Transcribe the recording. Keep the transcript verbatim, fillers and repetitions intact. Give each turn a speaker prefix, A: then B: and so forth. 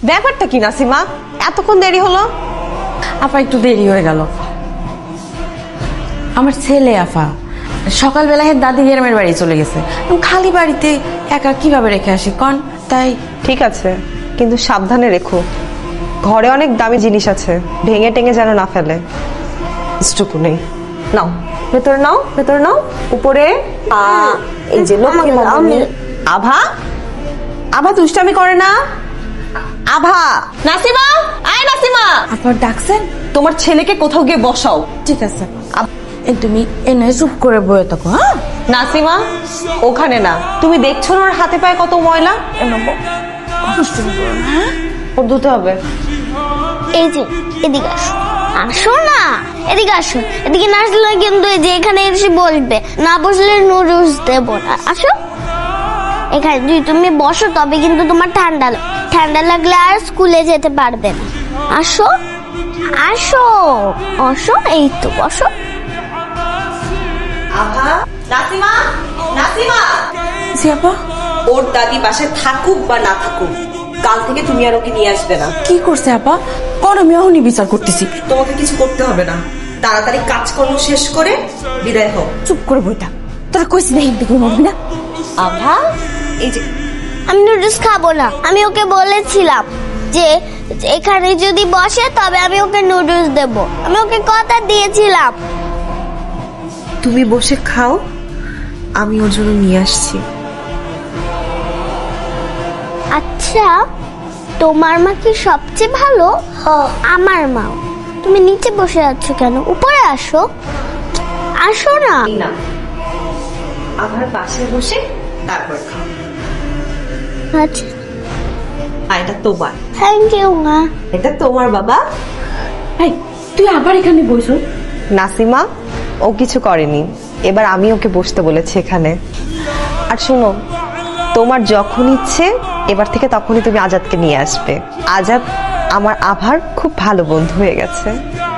A: ব্যাপারটা কি নাসিমা, এতক্ষণ দেরি হলো?
B: আপা একটু দেরি হয়ে গেল। আমার ছেলে আফা সকালবেলা হের দাদি গ্রামের বাড়ি চলে গেছে, আমি খালি বাড়িতে একা কিভাবে রেখে আসি কন? তাই
A: ঠিক আছে, কিন্তু সাবধানে রেখো, ঘরে অনেক দামি জিনিস আছে, ভেঙে টেঙে যেন না ফেলে। ইস্টুকু নেই। নাও ভেতরে নাও, ভেতরে নাও, উপরে। আ, এই যে লক্ষ্মী মামনি। আভা, আভা দুষ্টামি করে না। আভা, নাসিমা, আয় নাসিমা।
B: আপা ডাকছেন?
A: তোমার ছেলেকে কোথাও গিয়ে বসাও।
B: ঠিক আছে, এই তুমি এনে চুপ করে বয়ে থাকো। হ্যাঁ
A: নাসিমা, ওখানে না, তুমি দেখছো না ওর হাতে পায়ে কত ময়লা?
B: হ্যাঁ
A: ওর ধুতে হবে।
C: এই যে এদিকে আসো, আসো না, এদিকে আসো। এদিকে না আসলে কিন্তু এই যে এখানে এসে বলবে, না বসলে নুডলস দেবো না। আসো এখানে, যদি তুমি বসো তবে কিন্তু তোমার ঠান্ডা লাগ- ঠান্ডা লাগলে আর স্কুলে যেতে পারবে না। আসো আসো, আসো, এই তো বসো।
A: আভা, নাসিমা, নাসিমা।
B: জি আপা।
A: ওর দাদি বাসায় থাকুক বা না থাকুক, কাল থেকে তুমি আর ওকে নিয়ে আসবে না।
B: কি করছে আপা? কোন আমি এখনই বিচার করতেছি।
A: তোমাকে কিছু করতে হবে না, তাড়াতাড়ি কাজকর্ম শেষ করে বিদায় হোক।
B: চুপ করে বইটা, তোরা কইছি না হিন্দি করে মরবি না।
A: আভা, এই যে
C: আমি নুডলস খাবো না। আমি ওকে বলেছিলাম যে এখানে যদি বসে তবে আমি ওকে নুডলস দেব। আমি ওকে কথা দিয়েছিলাম।
A: তুমি বসে খাও, আমি ওর জন্য নিয়ে আসছি।
C: আচ্ছা, তোমার মা কি সবচেয়ে ভালো? আমার মা। তুমি নিচে বসে আছো কেন? উপরে আসো, আসো না।
A: না, আভার পাশে বসে তারপর খাও।
C: আচ্ছা,
A: আর এটা তোমার,
C: থ্যাংক ইউ মা।
A: এটা তোমার বাবা।
B: এই তুই আবার এখানে বইছো?
A: নাসিমা, ও কিছু করেনি, এবার আমি ওকে বসতে বলেছি এখানে। আর শোনো, তোমার যখন ইচ্ছে এবার থেকে তখনই তুমি আজাদকে নিয়ে আসবে। আজাদ আমার আভার খুব ভালো বন্ধু হয়ে গেছে।